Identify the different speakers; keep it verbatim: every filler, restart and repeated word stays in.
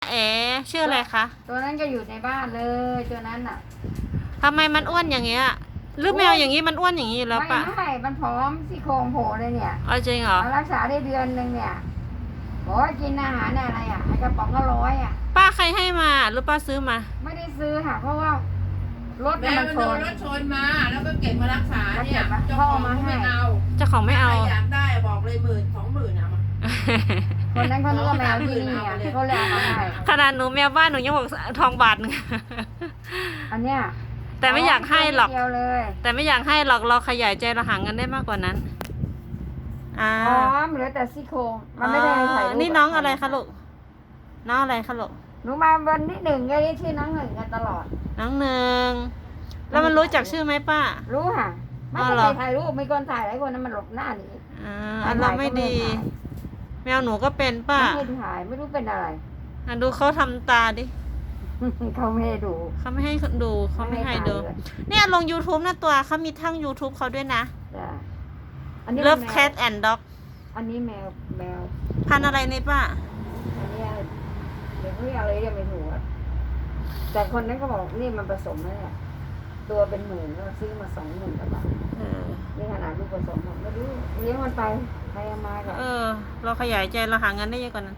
Speaker 1: เอ๋ชื่ออะไรคะ
Speaker 2: ตัวนั้นก็อยู่ในบ้านเลยตัวนั้นอ่ะ
Speaker 1: ทำไมมันอ้วนอย่างเงี้ยหรือแมวอย่างงี้มันอ้วนอย่างงี้แล้ว
Speaker 2: ไม่
Speaker 1: ปะ
Speaker 2: ไม่มันพร้อมซี่โครงโผล่เลยเนี่ย
Speaker 1: เอาจริงเหรอ
Speaker 2: มารักษาได้เดือนหนึ่งเนี่ยบอกว่ากินอาหารอะไรอ่ะไอกระป๋องละร้อยอ่ะ
Speaker 1: ป้าใครให้มาหรือป้าซื้อมา
Speaker 2: ไม่ได้ซื้อค่ะ เพราะว่ารถ
Speaker 3: แม่
Speaker 2: เนี่ย
Speaker 3: มั
Speaker 2: มัน น
Speaker 3: โด
Speaker 2: ช
Speaker 3: น
Speaker 2: น
Speaker 3: รถชนมาแล้วก็เก็บมารักษาเนี่ยเจ้าของเขาไม่เอา
Speaker 1: เจ้าของไม่เอา
Speaker 3: ใครอยากได้บอกเลยหมื่นสองหมื่นเอามา
Speaker 2: คนนั้นเขานึกว่าแมวที่นี่อ่ะเขาเลยเอามาให้
Speaker 1: ขนาดหนูแมวบ้านหนูยังบอกทองบาทหนึง
Speaker 2: อันเนี้ย
Speaker 1: แต่ไม่อยากให้หรอก
Speaker 2: เดียวเลย
Speaker 1: แต่ไม่อยากให้หรอกเราขยายใจเราหาเงินได้มากกว่านั้นอ่า
Speaker 2: พร้อมเหลือแต่ซี่โครงมันไม่ได้ถ่ายรูป
Speaker 1: นี่น้องอะไรคะลูกน้องอะไรคะลูก
Speaker 2: หนูมาวันที่หนึ่งก็ได้ชื่อน้องหนึ่งกันตลอด
Speaker 1: น้องหนึ่งแล้วมันรู้จักชื่อไหมป้า
Speaker 2: รู้ค่ะไม่
Speaker 1: อ๋อ
Speaker 2: ต้อง
Speaker 1: เหรอ
Speaker 2: ไปถ่ายรูปมีคนถ่ายหลายคนนั้นมันหลบหน้าหนี
Speaker 1: อ่าอันเราไม่ดี แมวหนูก็เป็นป้า
Speaker 2: ไม่ให้ถ่ายไม่รู้เป็นอะไร
Speaker 1: อ่ะดูเขาทำตาดิ
Speaker 2: เขาไม่ให้ดู
Speaker 1: เขาไม่ให้ดูเขาไม่ให้ดู
Speaker 2: ไม่ให้ถ่ายเลย
Speaker 1: เนี่ยลง YouTube นะตัวเขามีทั้ง YouTube เขาด้วยนะ
Speaker 2: จ้ะอันนี้
Speaker 1: Love
Speaker 2: แมว
Speaker 1: Cat and Dog
Speaker 2: อันนี้แมวแมว
Speaker 1: พันธุ์อะไรนี่ป้า
Speaker 2: อันเนี้ยเดี๋ยวเขาเรียกอะไรเรียกไม่ถูกอะแต่คนนั้นก็บอกนี่มันผสมแล้วเนี่ยตัวเป็นหมื่นแล้วซื้อมาสองหมื่นกว่าบาท
Speaker 1: เออ
Speaker 2: นี่ขนาดลูกผสมอะไม่รู้เลี้ยงมันไปใครเอามากับ
Speaker 1: เออ เราขยายใจเราหาเงินได้เยอะกว่านั้น